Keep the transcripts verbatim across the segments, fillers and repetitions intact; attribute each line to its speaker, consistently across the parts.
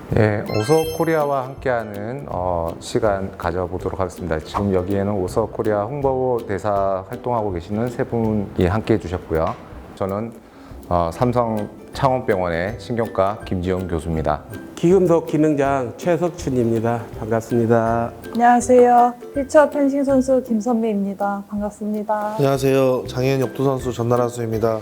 Speaker 1: 네, 오서코리아와 함께하는 어, 시간 가져보도록 하겠습니다. 지금 여기에는 오서코리아 홍보대사 활동하고 계시는 세 분이 함께해 주셨고요. 저는 어, 삼성 창원병원의 신경과 김지영 교수입니다.
Speaker 2: 기금속 기능장 최석춘입니다. 반갑습니다.
Speaker 3: 안녕하세요. 휠체어 펜싱 선수 김선미입니다. 반갑습니다.
Speaker 4: 안녕하세요. 장애인 역도 선수 전나라 수입니다.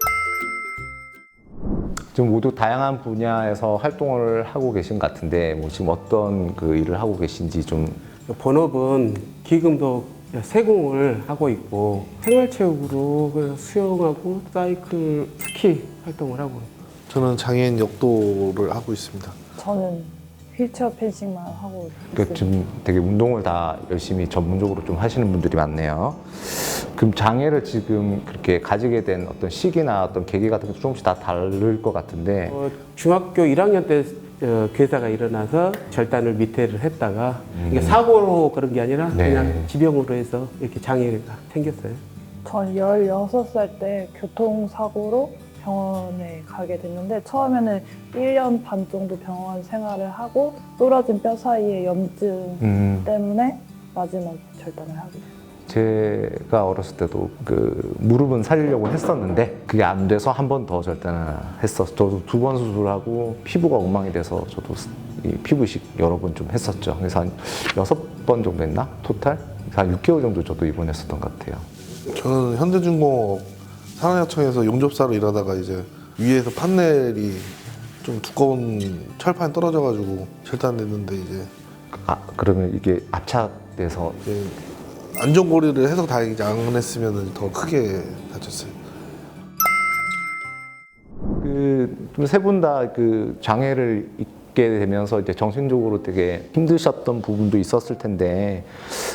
Speaker 1: 지금 모두 다양한 분야에서 활동을 하고 계신 것 같은데 뭐 지금 어떤 그 일을 하고 계신지 좀.
Speaker 2: 본업은 기금속 세공을 하고 있고 생활체육으로 수영하고 사이클, 스키 활동을 하고
Speaker 4: 저는 장애인 역도를 하고 있습니다.
Speaker 3: 저는 휠체어 펜싱만 하고
Speaker 1: 그
Speaker 3: 있습니다.
Speaker 1: 지금 되게 운동을 다 열심히 전문적으로 좀 하시는 분들이 많네요. 그럼 장애를 지금 그렇게 가지게 된 어떤 시기나 어떤 계기 같은 게 조금씩 다 다를 것 같은데.
Speaker 2: 어, 중학교 일 학년 때 어, 괴사가 일어나서 절단을 밑에를 했다가 이게 사고로 그런 게 아니라
Speaker 1: 네.
Speaker 2: 그냥 지병으로 해서 이렇게 장애가 생겼어요.
Speaker 3: 전 열여섯 살 때 교통사고로 병원에 가게 됐는데 처음에는 일 년 반 정도 병원 생활을 하고 부러진 뼈 사이에 염증
Speaker 1: 음,
Speaker 3: 때문에 마지막 절단을 하게 됐어요.
Speaker 1: 제가 어렸을 때도 그 무릎은 살리려고 했었는데 그게 안 돼서 한 번 더 절단을 했었어. 저도 두 번 수술하고 피부가 엉망이 돼서 저도 이 피부 이식 여러 번 좀 했었죠. 그래서 한 여섯 번 정도 했나? 토탈? 한 육 개월 정도 저도 입원했었던 것 같아요.
Speaker 4: 저는 현대중공업 산업약청에서 용접사로 일하다가 이제 위에서 판넬이 좀 두꺼운 철판이 떨어져가지고 절단됐는데 이제
Speaker 1: 아, 그러면 이게 압착돼서.
Speaker 4: 이제 안전고리를 해서 다행이지 안 했으면 더 크게 다쳤어요.
Speaker 1: 그 세 분 다 그 장애를 입게 되면서 이제 정신적으로 되게 힘드셨던 부분도 있었을 텐데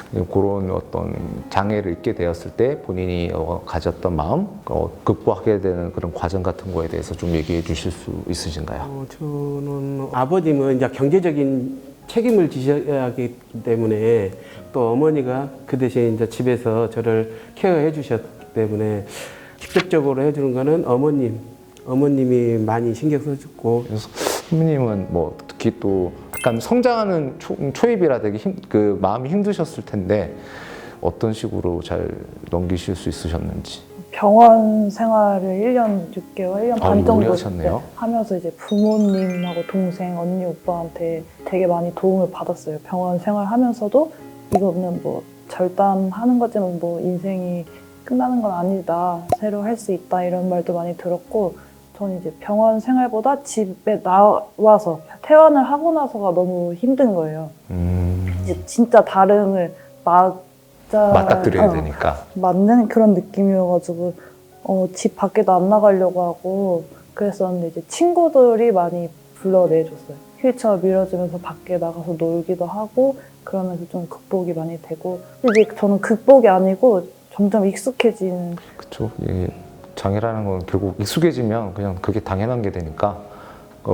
Speaker 1: 그런 어떤 장애를 입게 되었을 때 본인이 어, 가졌던 마음, 어, 극복하게 되는 그런 과정 같은 거에 대해서 좀 얘기해 주실 수 있으신가요?
Speaker 2: 어, 저는 아버님은 이제 경제적인 책임을 지셔야 하기 때문에 또 어머니가 그 대신 이제 집에서 저를 케어해 주셨기 때문에 직접적으로 해주는 거는 어머님, 어머님이 많이 신경 써줬고.
Speaker 1: 그래서 선배님은 뭐 특히 또 약간 성장하는 초, 초입이라 되게 힘, 그 마음이 힘드셨을 텐데 어떤 식으로 잘 넘기실 수 있으셨는지.
Speaker 3: 병원 생활을 일 년 육 개월, 일 년
Speaker 1: 아,
Speaker 3: 반
Speaker 1: 오래
Speaker 3: 정도
Speaker 1: 하셨네요.
Speaker 3: 하면서 이제 부모님하고 동생, 언니, 오빠한테 되게 많이 도움을 받았어요. 병원 생활하면서도 이거는 뭐 절단하는 거지만 뭐 인생이 끝나는 건 아니다. 새로 할 수 있다. 이런 말도 많이 들었고 저는 이제 병원 생활보다 집에 나와서 퇴원을 하고 나서가 너무 힘든 거예요.
Speaker 1: 음,
Speaker 3: 이제 진짜 다름을 맞아
Speaker 1: 맞닥뜨려야
Speaker 3: 어,
Speaker 1: 되니까.
Speaker 3: 맞는 그런 느낌이어가지고 어, 집 밖에도 안 나가려고 하고 그랬었는데 이제 친구들이 많이 불러내줬어요. 휠체어 밀어주면서 밖에 나가서 놀기도 하고 그러면서 좀 극복이 많이 되고 근데 이제 저는 극복이 아니고 점점 익숙해지는
Speaker 1: 그렇죠. 예, 장애라는 건 결국 익숙해지면 그냥 그게 당연한 게 되니까 어,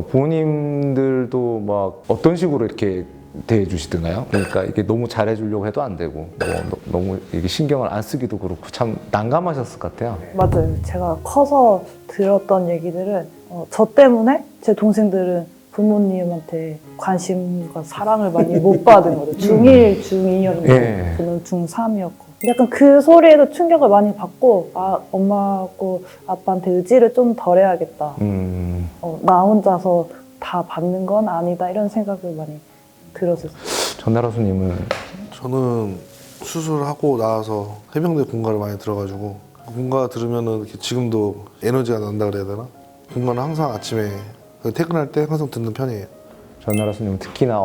Speaker 1: 부모님들도 막 어떤 식으로 이렇게 대해주시던가요? 그러니까 이게 너무 잘해주려고 해도 안 되고 뭐 너, 너무 이게 신경을 안 쓰기도 그렇고 참 난감하셨을 것 같아요.
Speaker 3: 맞아요. 제가 커서 들었던 얘기들은 어, 저 때문에 제 동생들은 부모님한테 관심과 사랑을 많이 못 받은 거죠. 중일, 중이였는데
Speaker 1: 예.
Speaker 3: 저는 중삼이었고 약간 그 소리에도 충격을 많이 받고 아, 엄마하고 아빠한테 의지를 좀 덜 해야겠다.
Speaker 1: 음,
Speaker 3: 어, 나 혼자서 다 받는 건 아니다 이런 생각을 많이 들었어요.
Speaker 1: 전나라수님은
Speaker 4: 저는 수술하고 나와서 해병대 군가를 많이 들어가지고 군가 들으면은 이렇게 지금도 에너지가 난다 그래야 되나? 군가는 항상 아침에 퇴근할 때 항상 듣는 편이에요.
Speaker 1: 전나라수님 특히나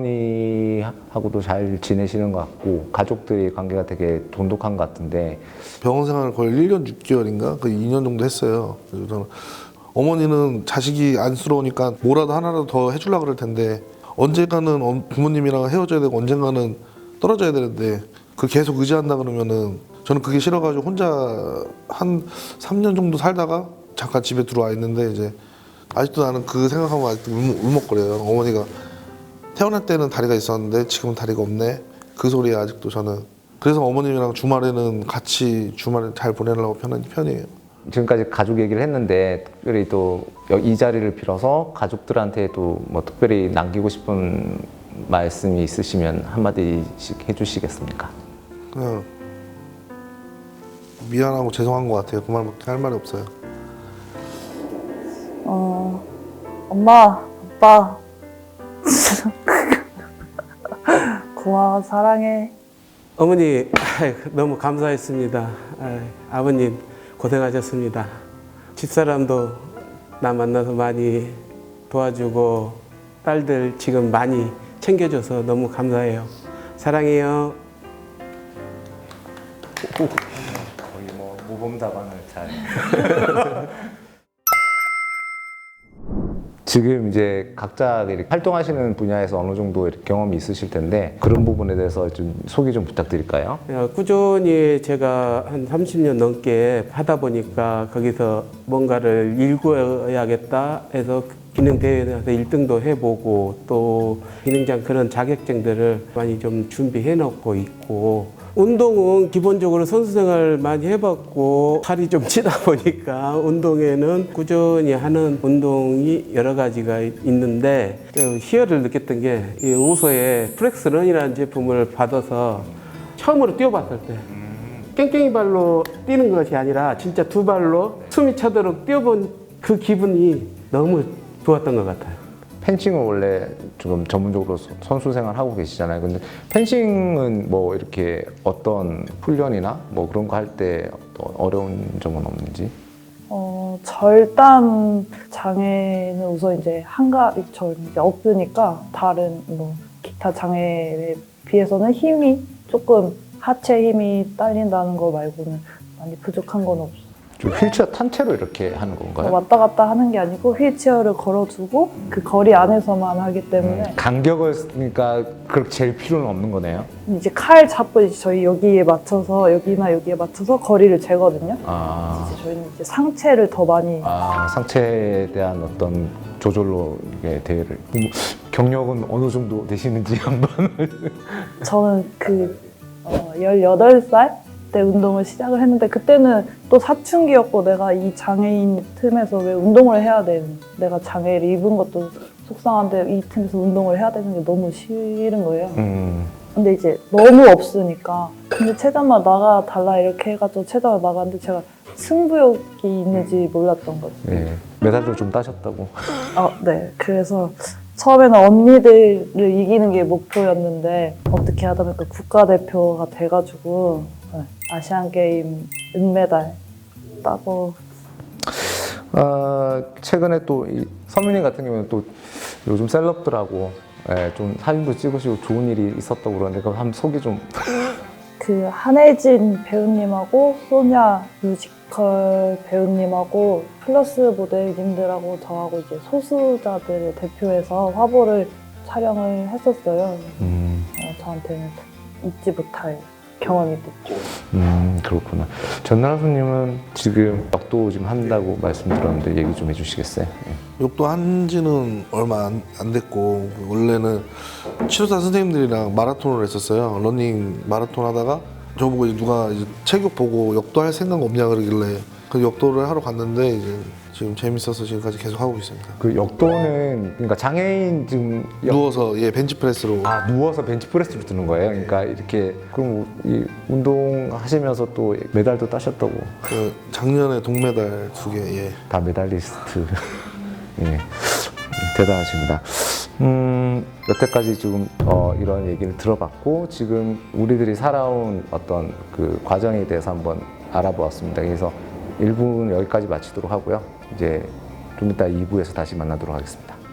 Speaker 1: 어머니하고도 잘 지내시는 것 같고 가족들의 관계가 되게 돈독한 것 같은데
Speaker 4: 병원 생활을 거의 일 년 육 개월인가? 그 이 년 정도 했어요. 그래서 저는 어머니는 자식이 안쓰러우니까 뭐라도 하나라도 더 해주려고 그럴 텐데 언젠가는 어- 부모님이랑 헤어져야 되고 언젠가는 떨어져야 되는데 그 계속 의지한다 그러면은 저는 그게 싫어가지고 혼자 한 삼 년 정도 살다가 잠깐 집에 들어와 있는데 이제 아직도 나는 그 생각하면 아직도 울먹, 울먹거려요. 어머니가 태어날 때는 다리가 있었는데 지금은 다리가 없네. 그 소리에 아직도 저는. 그래서 어머님이랑 주말에는 같이 주말에 잘 보내려고 편한 편이에요.
Speaker 1: 지금까지 가족 얘기를 했는데 특별히 또 이 자리를 빌어서 가족들한테도 뭐 특별히 남기고 싶은 말씀이 있으시면 한마디씩 해주시겠습니까?
Speaker 4: 그냥 미안하고 죄송한 것 같아요. 그 말밖에 할 말이 없어요.
Speaker 3: 어, 엄마, 아빠, 고마워, 사랑해.
Speaker 2: 어머니 너무 감사했습니다. 아버님 고생하셨습니다. 집사람도 나 만나서 많이 도와주고 딸들 지금 많이 챙겨줘서 너무 감사해요. 사랑해요.
Speaker 1: 거의 뭐 모범 답안을 잘. 지금 이제 각자 이렇게 활동하시는 분야에서 어느 정도 이렇게 경험이 있으실 텐데 그런 부분에 대해서 좀 소개 좀 부탁드릴까요?
Speaker 2: 꾸준히 제가 한 삼십 년 넘게 하다 보니까 거기서 뭔가를 일구어야겠다 해서 기능대회에서 일 등도 해보고 또 기능장 그런 자격증들을 많이 좀 준비해 놓고 있고 운동은 기본적으로 선수생활 많이 해봤고 살이 좀 찌다 보니까 운동에는 꾸준히 하는 운동이 여러 가지가 있는데 희열을 느꼈던 게 이 우소의 플렉스런이라는 제품을 받아서 처음으로 뛰어봤을 때 깽깽이 발로 뛰는 것이 아니라 진짜 두 발로 숨이 차도록 뛰어본 그 기분이 너무 좋았던 것 같아요.
Speaker 1: 펜싱을 원래 지금 전문적으로 서- 선수 생활 하고 계시잖아요. 근데 펜싱은 뭐 이렇게 어떤 훈련이나 뭐 그런 거 할 때 어려운 점은 없는지?
Speaker 3: 어, 절단 장애는 우선 이제 한가위 절 이제 없으니까 다른 뭐 기타 장애에 비해서는 힘이 조금 하체 힘이 딸린다는 거 말고는 많이 부족한 건 없어요.
Speaker 1: 좀 휠체어 탄 채로 이렇게 하는 건가요?
Speaker 3: 왔다 갔다 하는 게 아니고 휠체어를 걸어두고 그 거리 안에서만 하기 때문에
Speaker 1: 음, 간격을 그러니까 그렇게 잴 필요는 없는 거네요.
Speaker 3: 이제 칼 잡고 이제 저희 여기에 맞춰서 여기나 여기에 맞춰서 거리를 재거든요.
Speaker 1: 아,
Speaker 3: 이제 저희는 이제 상체를 더 많이
Speaker 1: 아 상체에 대한 어떤 조절로 이게 대회를 뭐, 경력은 어느 정도 되시는지 한번.
Speaker 3: 저는 그 어, 열여덟 살 때 운동을 시작을 했는데 그때는 또 사춘기였고 내가 이 장애인 틈에서 왜 운동을 해야 되는 내가 장애를 입은 것도 속상한데 이 틈에서 운동을 해야 되는 게 너무 싫은 거예요.
Speaker 1: 음,
Speaker 3: 근데 이제 너무 없으니까 근데 체전만 나가 달라 이렇게 해가지고 체전을 나갔는데 제가 승부욕이 있는지 몰랐던 거죠.
Speaker 1: 네. 메달도 좀 따셨다고.
Speaker 3: 아, 네. 그래서 처음에는 언니들을 이기는 게 목표였는데 어떻게 하다 보니까 국가대표가 돼가지고 네, 아시안게임 은메달 따고
Speaker 1: 아, 최근에 또 이 서민이 같은 경우는 또 요즘 셀럽들하고 예, 좀 사진도 찍으시고 좋은 일이 있었다고 그러는데 그거 한번 소개 좀.
Speaker 3: 그 한혜진 배우님하고 소냐 뮤지컬 배우님하고 플러스 모델님들하고 저하고 이제 소수자들을 대표해서 화보를 촬영을 했었어요.
Speaker 1: 음,
Speaker 3: 어, 저한테는 잊지 못할 경험이 됐죠.
Speaker 1: 음 그렇구나. 전나라수님은 지금 역도 지금 한다고 말씀드렸는데 얘기 좀 해주시겠어요? 예.
Speaker 4: 욕도 한지는 얼마 안, 안 됐고 원래는 치료사 선생님들이랑 마라톤을 했었어요. 러닝 마라톤 하다가 저보고 이제 누가 이제 체육 보고 역도 할 생각 없냐 그러길래 그 역도를 하러 갔는데 이제 지금 재밌어서 지금까지 계속 하고 있습니다.
Speaker 1: 그 역도는 그러니까 장애인 지금 역-
Speaker 4: 누워서 예 벤치프레스로
Speaker 1: 아 누워서 벤치프레스를 드는 거예요. 그러니까 이렇게 그럼 이 운동 하시면서 또 메달도 따셨다고.
Speaker 4: 그 작년에 동메달 두 개 예.
Speaker 1: 다 메달리스트. 예, 대단하십니다. 음, 여태까지 지금 어, 이런 얘기를 들어봤고 지금 우리들이 살아온 어떤 그 과정에 대해서 한번 알아보았습니다. 그래서 일 부는 여기까지 마치도록 하고요. 이제 좀 이따 이 부에서 다시 만나도록 하겠습니다.